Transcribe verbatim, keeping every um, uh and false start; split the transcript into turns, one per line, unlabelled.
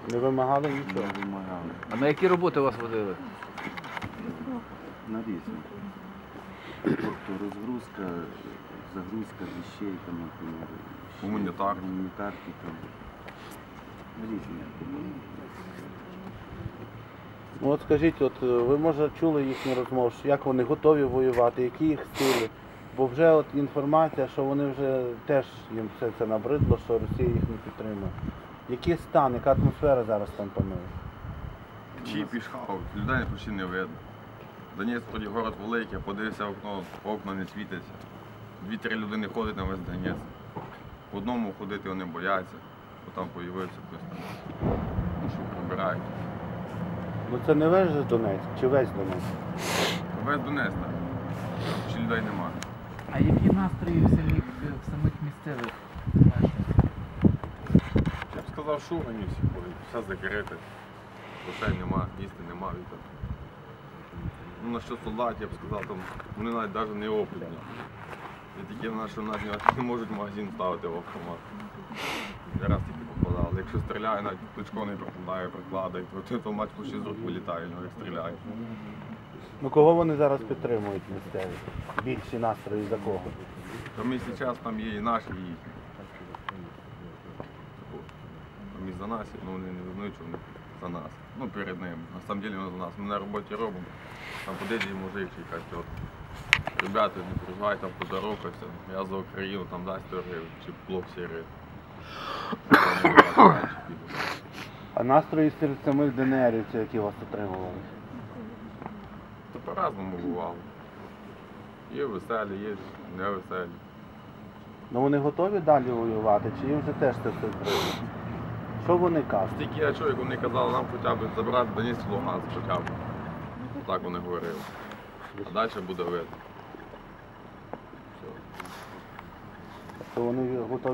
Не вимагали нічого?
Не вимагали.
А на які роботи вас водили?
На різні. Тобто розгрузка, загрузка вещей, там, наприклад,
Гуманітарки.
гуманітарки, там, різні.
Ну от скажіть, от ви може чули їхню розмову, що як вони готові воювати, які їх сили? Бо вже от інформація, що вони вже теж їм все це набридло, що Росія їх не підтримує. Який стан, яка атмосфера зараз там панує?
Чи пішхав, людей почти не видно. Донець, тоді город великий, подивився в окно, окна не світяться. Дві-три людини ходять на весь Донець. В одному ходити вони бояться, бо там з'явився хтось там, ну, що прибирають.
Ну це не весь же Донецьк, чи весь Донецьк?
Весь Донець, так. Ще людей немає.
А які настрої в самих, в самих місцевих мешканців?
Я б сказав, шугані всі ходять, все закрите. Грошей нема, їсти нема, вітер. Ну, на що солдатів, я б сказав, там, вони навіть навіть не опитні. І такі в нас, що навіть не можуть магазин ставити в автомат. Я раз тільки попадав. Якщо стріляє, навіть плечко не прикладає, прикладає, то автомат почти з рук вилітає, ну, як стріляє.
Ну кого вони зараз підтримують місцеві? Більші настрої за кого?
Там і зараз там є і наші, і їхні. Там і за нас, ну вони не визнають, що вони за нас. Ну перед ними. На самом деле вони за нас. Ми на роботі робимо. Там подійде мужик чи якась тітка. Ребята, не переживайте, там поздоровкайся. Я за Україну, там дасть сто гривень, чи плов сіри.
А настрої серед самих ДНРівців, які вас отримували?
То по-разному бувало. Є веселі, є невеселі.
Ну вони готові далі воювати, чи їм вже теж це все прийде? Що вони кажуть?
Тільки я чую, як вони казали, нам хоча б забрати Донецьк, Луганськ хоча б. Так вони говорили. А далі буде видно.
Що вони готові